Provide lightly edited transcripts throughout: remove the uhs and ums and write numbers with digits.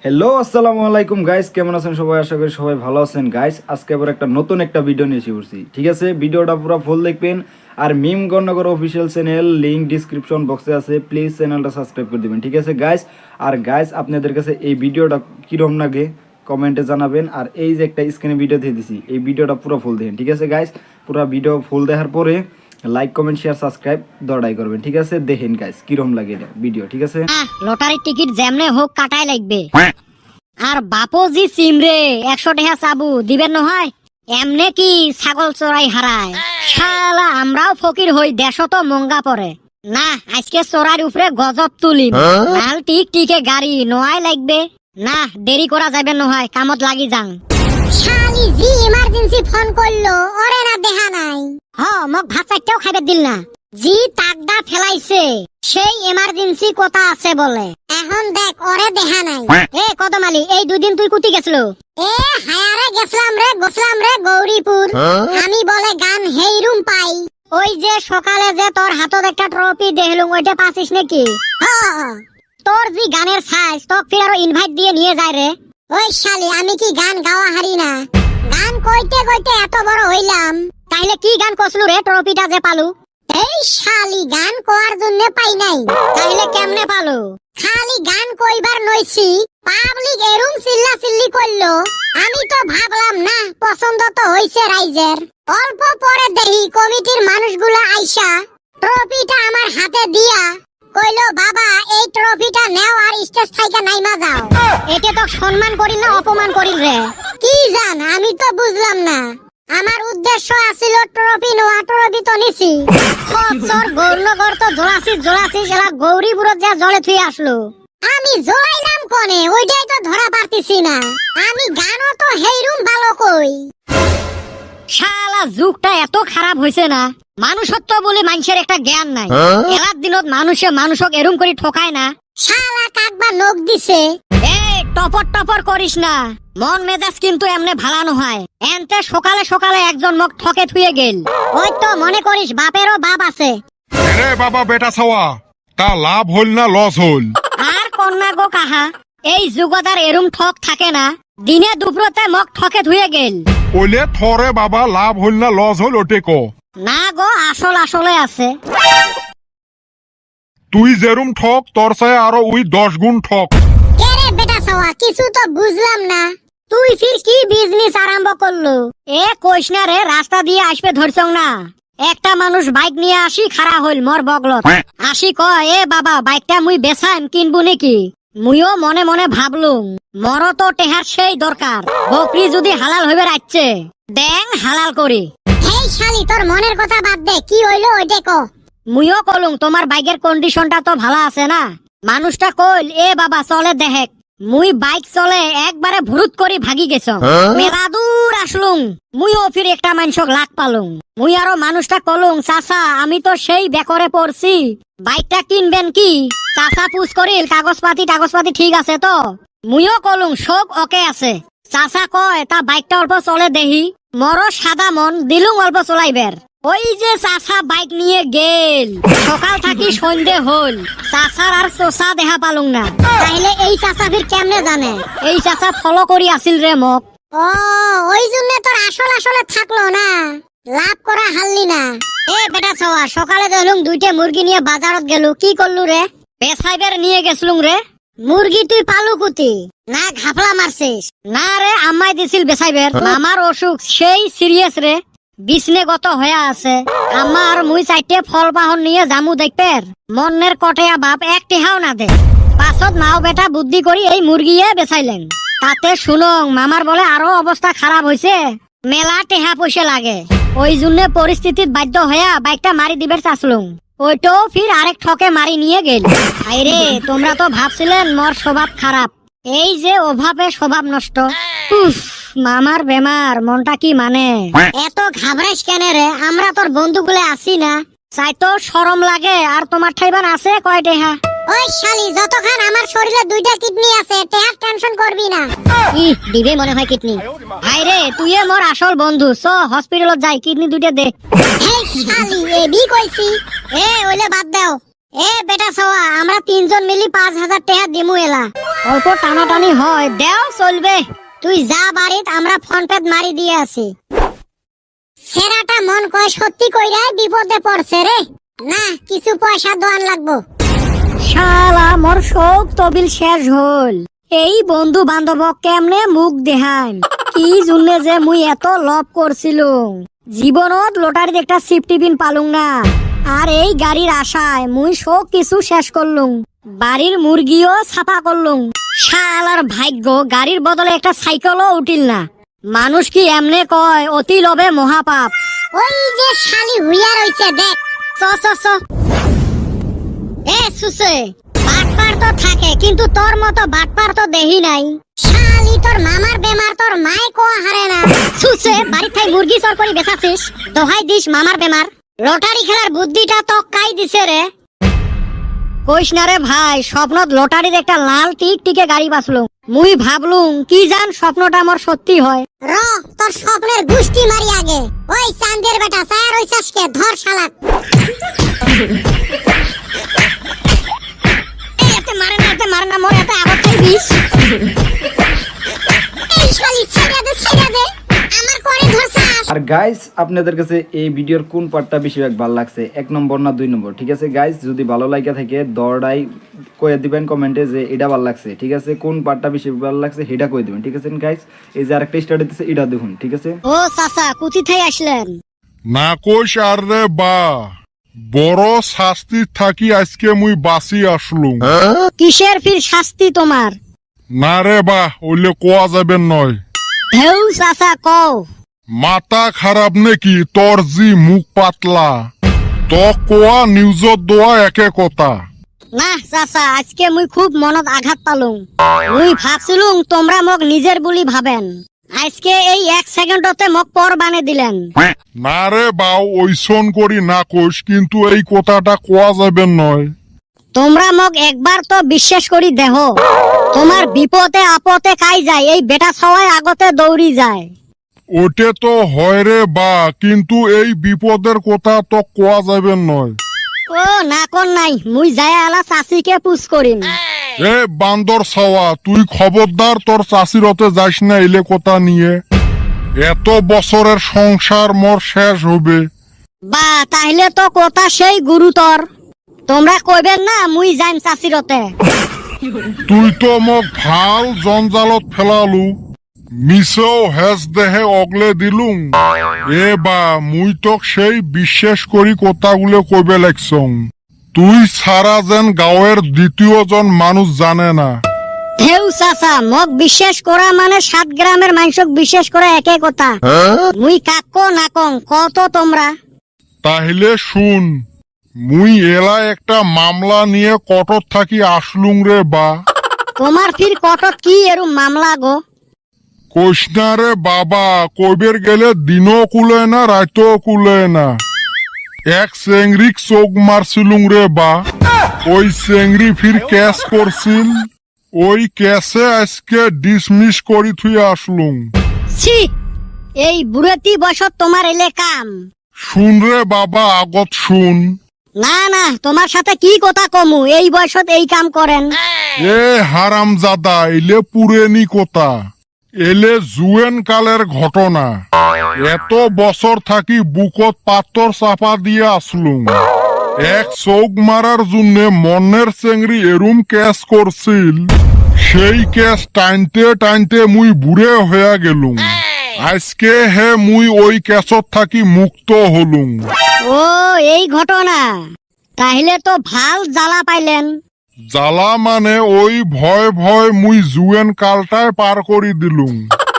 Hello আসসালামু আলাইকুম guys, কেমন আছেন সবাই? আশা করি সবাই ভালো আছেন গাইস। আজকে আবার একটা নতুন ভিডিও নিয়ে এসে পড়ছি, ঠিক আছে? ভিডিওটা পুরো ফুল দেখবেন। আর Mim Gononagar official channel link description বক্সে আছে, প্লিজ চ্যানেলটা সাবস্ক্রাইব করে দিবেন, ঠিক আছে গাইস? আর গাইস, আপনাদের কাছে এই ভিডিওটা কীরকম লাগে কমেন্টে জানাবেন। আর এই যে একটা স্ক্রিনে ভিডিও দিয়ে দিছি, এই ভিডিওটা পুরো ফুল দেখেন, ঠিক আছে গাইস? পুরো ভিডিও ফুল দেখার পরে লাইক কমেন্ট শেয়ার সাবস্ক্রাইব দড়াই করবেন, ঠিক আছে? দেখেন গাইস কিরকম লাগে এটা ভিডিও, ঠিক আছে? লটারির টিকিট যেমনে হোক কাটাই লাগবে। আর বাপজি সিমরে 100 টাকা চাবু দিবেন নহয়, এমনে কি ছাগল চড়াই হারায়? শালা আমরাও ফকির হই, দেশও তো মঙ্গা পড়ে না। আজকে চড়ার উপরে গজব তুলিম, নাল টিক টিকে গাড়ি নোয়াই লাগবে না। দেরি করা যাবে নহয়, কামত লাগি যাং। শালি জি ইমার্জেন্সি ফোন করলো, ওরে না দেখা নাই। মোক ভাত চারটেও খাইবে দিল না। জি তাকদা ফেলাইছে, সেই ইমার্জেন্সি কথা আছে বলে। এখন দেখ ওরে দেখা নাই। এ কদমালি, এই 2 দিন তুই কুতি গেছিল? এ হায়ারে গেছলাম রে গৌরীপুর। আমি বলে গান হেই রুম পাই। ওই যে সকালে যে তোর হাতত একটা ট্রফি দেখলুম, ওইটা পাছিস নাকি? তোর যে গানের সাইজ, তোক ফির আরো ইনভাইট দিয়ে নিয়ে যায় রে। ওই শালি, আমি কি গান গাওয়া হারি না? গান কইতে কইতে এত বড় হইলাম। তাইলে কি গান কসলু রে ট্রফিটা যে পালু? এই শালি, গান কোয়ার জন্য পাই নাই। তাইলে কেমনে পালু? খালি গান কইবার নইছি, পাবলিক এরুম চিল্লা চিল্লি করলো। আমি তো ভাবলাম না, পছন্দ তো হইছে রাইজের। অল্প পরে দেখি কমিটির মানুষগুলো আইসা ট্রফিটা আমার হাতে দিয়া কইলো, বাবা এই ট্রফিটা নেও আর স্টেজ থেকে নাইমা যাও। এতে তো সম্মান করিল না অপমান করিল রে? কি জান, আমি তো বুঝলাম না। আমার উদ্দেশ্য আছিল ট্রফি নোয়া, ট্রফি তো নিছি। তোর গৌরনগর তো জোড়াছিস এলা গৌরীপুরত যা জলে থুই আসলো। আমি জড়াইলাম কোনে, ওইটাই তো ধরা পারতেছি না। আমি গানও তো হেইরুম ভালো কই। শালা যুগটা এত খারাপ হইছে না, মানুষত্ব বলে মানুষের একটা জ্ঞান নাই। এলার দিনত মানুষক এরুম করে ঠকায় না। শালা কাকবা নখ দিছে। এই টপর করিস না, মন মেজাজ কিন্তু এমনে ভালানো হয়। এনতে সকালে সকালে একজন মোক ঠকে থুয়ে গেল। ওই তো মনে করিস বাপেরও বাপ আছে। আরে বাবা বেটা ছাওয়া, তা লাভ হল না লস হল? আর কন্যা গো কাহা, এই যুগদার এরুম ঠক থাকে না। দিনে দুপুরতে মোক ঠকে থুয়ে গেল। ওলে থরে বাবা, লাভ হল না লস হল ওটে ক। না গো, আসলে আছে। তুই যেরুম ঠক, তোর সাথে আরো ওই 10 গুণ ঠক। কেরে বেটা সওয়া, কিছু তো বুঝলাম না। তুই ফির কি বিজনেস আরম্ভ করলো? এ কইস না রে, রাস্তা দিয়ে আসবে ধরছং না। একটা মানুষ বাইক নিয়ে আসি খাড়া হইল মোর বগলত। আসি কয়, এ বাবা বাইকটা মুই বেচাইম, কিনবো নাকি? মুইও মনে মনে ভাবলুম, মর তো টেহার সেই দরকার। বকরি যদি হালাল হইবে রাখছে, দেং হালাল করি। এই শালি, তোর মনের কথা বাদ দে, কি হইলো ওইটা ক। মুইও কলুম, তোমার বাইকের কন্ডিশনটা তো ভালো আছে না? মানুষটা কইল, এ বাবা চলে দেহেক। মুই বাইক চলে একবারে ভুরুত করি ভাগি গেছ। মেলা দূর আসলুম, মুইও ফির একটা মানুষক লাগ পালুম। মুই আরো মানুষটা কলুম, চাচা আমি তো সেই বেকরে পড়ছি, বাইকটা কিনবেন কি? চাচা পুছ করিল, কাগজপাতি ঠিক আছে তো? মুইও কলুম সব ওকে আছে। চাচা কয়, তা বাইকটা অল্প চলে দেহি। মরো সাদা মন দিলুম অল্প চলাইবের। ওই যে চাচা বাইক নিয়ে গেল, সকাল থাকি সন্ধে হল, চাচার আর চোচা দেখা পালুম না। তাইলে এই চাচা ফির কেমনে জানে? এই চাচা ফলো করি আসিল রে মোক। ও, ওই জন্য তোর আসলে থাকলো না, লাভ করা হারলি না। এ বেটা ছোয়া, সকালে দেখলুম 2টে মুরগি নিয়ে বাজারত গেলু, কি করলু রে? বেসাইবের নিয়ে গেছলুম রে। মুরগি তুই পালু কুতি না ঘাপলা মারছিস? না রে, আম্মাই দিছিল বেসাইবের। আমার অসুখ সেই সিরিয়াস রে, বিষ্ণেগত হয়ে আছে। আমার মুই 4টে ফল বাহন নিয়ে জামু দেখবের, মনের কটেয়া বাপ 1 টেহাও না দে। পাছত মাও বেটা বুদ্ধি করি এই মুরগিয়ে বেচাইলেন। তাতে শুনং মামার বলে আরো অবস্থা খারাপ হয়েছে, মেলা টেহা পয়সা লাগে। ওই জন্য পরিস্থিতিত বাধ্য হইয়া বাইকটা মারি দিবের চাচ্লুম। ওইটাও ফির আরেক ঠকে মারি নিয়ে গেল। আইরে, তোমরা তো ভাবছিলেন মোর স্বভাব খারাপ, এই যে অভাবে স্বভাব নষ্ট। উফ, মামার বেমার, মনটা কি মানে? এত ঘাবড়াইস কেন রে? আমরা তোর বন্ধুগুলো আছি না? চাই তো শরম লাগে। আর তোমার ঠাইবান আছে কয় টেহা? ওই শালি, যতক্ষণ আমার শরীরে 2টা কিডনি আছে, টেহার টেনশন করবি না। দিবে মনে হয় কিডনি। হাইরে, তুই মোর আসল বন্ধু, চ হসপিটালত যাই, কিডনি 2টে দে। এই শালি, এবি কইছি। এ ওইলে বাদ দাও, এ বেটা সওয়া আমরা তিনজন মিলি 5,000 টাকা দিমু এলা। অল্প টানাটানি হয়, দেও চলবে। তুই যা বাড়িত আমরা ফোন পে মারি দিয়ে আছি। সেরাটা মন কয় সত্যি কইরাই বিপদে পড়ছে রে। না কিছু পয়সা দোয়ান লাগবো। শালা মোর শোক তবিল শেষ হল। এই বন্ধু বান্ধব কেমনে মুখ দেহান, কি জুনে যে মুই এত লভ করছিলুম। জীবনত লটারির একটা সিফটি পিন পালুং না, আর এই গাড়ির আশায় মুই সব কিছু শেষ করলুম। বাড়ির মুরগিও ছাপা করলুম। শালার ভাগ্য, গাড়ির বদলে একটা সাইকেলও উঠিল না। মানুষ কি এমনে কয় অতি লোভে মহাপাপ। ওই যে শালি হুইয়া রইছে দেখ। চ চ চ। এ সুসে বাটপার তো থাকে কিন্তু তোর মতো বাটপার তো দেহি নাই। শালি তোর মামার বেমার তোর মাই কোয়া হারে না। সুসে বাড়ি থাই মুরগি চর করি বেচাছিস, দোহাই দিস মামার বেমার। লটারি খেলার বুদ্ধিটা তো কাই দিছে রে। কইস না রে ভাই, স্বপ্নত লটারির একটা লাল টিকটিকে গাড়ি বাঁচলুম। মুই ভাবলুম কি জান স্বপ্নটা আমার সত্যি হয়। র তোর স্বপ্নের গুষ্টি মারি আগে। ওই চান্দের বেটা চায়ার ওই চাষকে ধর শালাক। এতে মারে না মোর এতে আবার খাই বিষ। এই শালি ছেড়ে দে আমার করে ধরছাস। আর গাইস আপনাদের কাছে এই ভিডিওর কোন পার্টটা বেশিরভাগ ভালো লাগছে, 1 নম্বর না 2 নম্বর? ঠিক আছে গাইস, যদি ভালো লাগে থাকে দরডাই কয়ে দিবেন কমেন্টে যে এটা ভালো লাগছে। ঠিক আছে, কোন পার্টটা বেশি ভালো লাগছে সেটা কয়ে দিবেন। ঠিক আছে গাইস, এই যে আরেকটা স্টার্ট হইতেছে, এটা দেখুন। ঠিক আছে, ও চাচা কুতি থাই আসলেন? না কইস আর রে বা, বড় শাস্তি থাকি আজকে মুই বাঁচি আসলুম। কিসের ফির শাস্তি তোমার? না রে বা, ওইলে কোয়া যাবেন নয়। ঢেউ চাচা কও। মাথা খারাপ নাকি তোর জি মুখ পাতলা? তো কোয়া নিউজত দোয়া একে কথা। না চাচা, আজকে মুই খুব মনত আঘাত পালুম। মুই ভাবছিলুম তোমরা মোক নিজের বুলি ভাবেন, আজকে এই 1 সেকেন্ডতে মোক পর বানে দিলেন। না রে বাউ, ওইসন করি না কইস, কিন্তু এই কথাটা কোয়া যাবেন নয়। তোমরা মোক একবার তো বিশ্বাস করি দেহ, তোমার বিপদে আপদে কাই যায় এই বেটা সবাই আগতে দৌড়ি যায়। ওটে তো হয় রে বা, কিন্তু এই বিপদের কথা তো কোয়া যাবেন নয়। ও না কোন নাই, মুই যায় আলা চাষিকে পুষ করিম। এ বান্দর ছাওয়া, তুই খবরদার তোর চাষিরতে যাইস না এলে কথা নিয়ে। এত বছরের সংসার মোর শেষ হবে। বা তাহলে তো কথা সেই গুরুতর। তোমরা কইবেন না মুই যাইম চাষিরতে। তুই তো মোক ভাল জঞ্জালত ফেলালু, মিছেও হেজ দেহে অগলে দিলুম। এ বা মুই তোক সেই বিশ্বাস করি কথাগুলো কইবে লাগছং। তুই ছাড়া যেন গাঁয়ের দ্বিতীয়জন মানুষ জানে না। ঢেউ চাচা, মোক বিশ্বাস করা মানে 7 গ্রামের মানুষক বিশ্বাস করা একে কথা। মুই কাক্য না কং কত তোমরা। তাহলে শুন, মুই এলা একটা মামলা নিয়ে কটর থাকি আসলুম রে বা। তোমার ফির কটক কি এরম মামলা গো? কইস না রে বাবা, কইবের গেলে দিনও কুলে না রাতও কুলে না। এক চেংড়িক চোখ মারছিলুম রে বা, ওই চেংড়ি ফির ক্যাশ করছিল। ওই ক্যাশে আজকে ডিসমিস করি থুই আসলুম। ছি, এই বুড়েতি বয়সত তোমার এলে কাম। শুন রে বাবা, আগত শুন। না না, তোমার সাথে কি কথা কমু, এই বয়সত এই কাম করেন? এ হারাম জাদা, এলে পুরেনি কথা, এলে জুয়েন কালের ঘটনা। এত বছর থাকি বুকত পাথর চাপা দিয়ে আসলুম। এক চৌক মারার জন্য মনের চেংড়ি এরুম ক্যাশ করছিল, সেই ক্যাশ টাইনতে টাইনতে মুই বুড়ে হয়ে গেলুম। আজকে হে মুই ওই ক্যাশত থাকি মুক্ত হলুম। ও এই ঘটনা, তাহলে তো ভাল জ্বালা পাইলেন। জ্বালা মানে ওই ভয় ভয় মুই জুয়েন কালটায় পার করি দিলুম।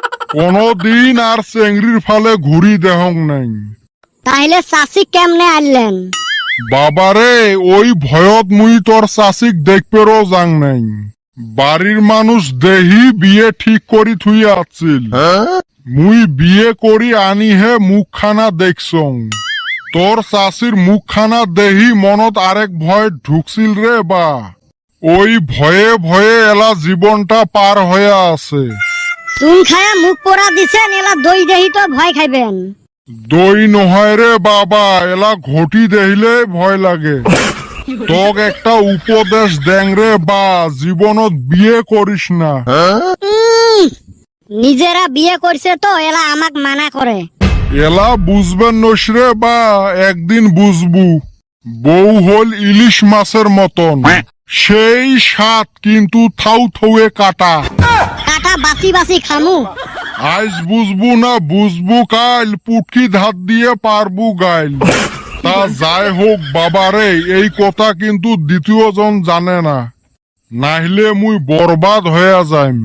কোনদিন আর চেংড়ির ফালে ঘুরি দেহং নাই। তাহলে চাষি কেমনে আনলেন? বাবারে, ওই ভয়ত মুই তোর চাষিক দেখপেরও যাং নাই। বাড়ির মানুষ দেহি বিয়ে ঠিক করি থুই আছিল। মুই বিয়ে করি আনিহে মুখখানা দেখছং। তোর চাষির মুখখানা দেহি মনত আরেক ভয় ঢুকছিল রে বা। ওই ভয়ে ভয়ে এলা জীবনটা পার হয়ে আছে। চুন খায়া মুখ পোড়া দিছেন, এলা দই দেহি তো ভয় খাইবেন। দই নহয় রে বাবা, এলা ঘটি দেখিলে ভয় লাগে। তোক একটা উপদেশ দেং রে বা, জীবনত বিয়ে করিস না। নিজেরা বিয়ে করছে তো এলা আমাক মানা করে। এলা বুঝবেন নসরে বা, একদিন বুঝবু। বউ হল ইলিশ মাছের মতন, সেই স্বাদ কিন্তু থাউ থৌয়ে কাটা। কাটা বাসি বাসি খামু। আজ বুঝবু না বুঝবু কাল, পুটকি ধাত দিয়ে পারবু গাইল। তা যাই হোক বাবারে, এই কথা কিন্তু দ্বিতীয় জন জানে না, নাহলে মুই বরবাদ হয়ে যাইম।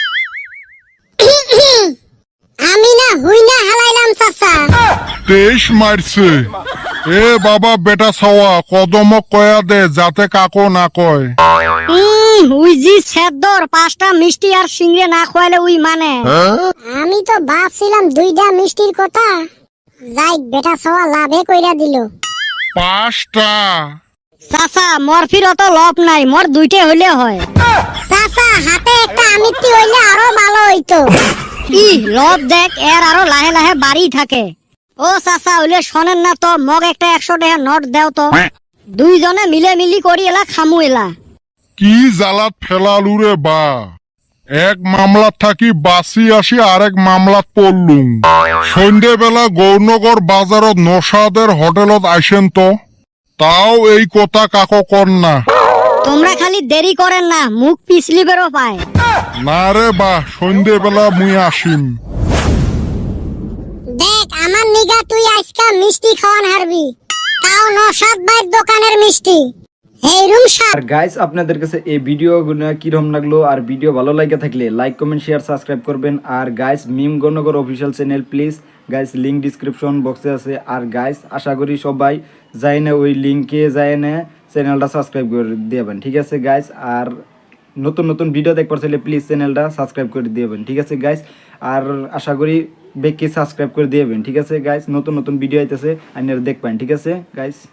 আমি না হুই না হালাইলাম চাচা। 23 মারছে। এ বাবা বেটা ছাওয়া, কদমক কয়া দে যাতে কাকো না কয়। উই জি সেদ্দর 5টা মিষ্টি আর সিংড়ে না খোয়ালে উই মানে। আমি তো ভাবছিলাম 2টা মিষ্টির কথা। যাই বেটা সওয়া লাভে কইরা দিল। 5টা। চাচা মরফির অত লভ নাই, মোর 2টে হইলে হয়। চাচা হাতে একটা আমিত্তি হইলে আরো ভালো হইতো। কি লভ দেখ, এর আরো লাহে লাহে বাড়ি থাকে। ও চাচা হইলে শোনেন না তো, মগ একটা 100 টাকা নোট দেও তো। দুইজনে মিলে মিলি করি এলা খামু এলা। কি জ্বালাত ফেলালু রে বা, এক মামলাত থাকি বাঁচি আসি আরেক মামলাত পড়লুম। সন্ধ্যেবেলা গৌরনগর বাজারত নসাদের হোটেলত আইসেন তো, তাও এই কথা কাকো কর না। তোমরা খালি দেরি করেন না, মুখ পিছলিবেরও পায়। না রে বা, সন্ধ্যেবেলা মুই আসিম। দেখ আমার নিগা তুই আজকা মিষ্টি খাওয়ান হারবি, তাও নসাদ ভাইয়ের দোকানের মিষ্টি। এই রুম আর গাইস আপনাদের কাছে এই ভিডিওগুলো কিরকম লাগলো, আর ভিডিও ভালো লাগে থাকলে লাইক কমেন্ট শেয়ার সাবস্ক্রাইব করবেন। আর guys Mim Gononagar official channel please guys, link description বক্সে আছে। আর গাইস আশা করি সবাই যাই না ওই লিঙ্কে যায় না চ্যানেলটা সাবস্ক্রাইব করে দিবেন, ঠিক আছে গাইস। আর নতুন নতুন ভিডিও দেখবার চাইলে প্লিজ চ্যানেলটা সাবস্ক্রাইব করে দিবেন, ঠিক আছে গাইস। আর আশা করি বেশি সাবস্ক্রাইব করে দিবেন, ঠিক আছে গাইস। নতুন নতুন ভিডিও আইতেছে আপনারা দেখবেন, ঠিক আছে গাইস।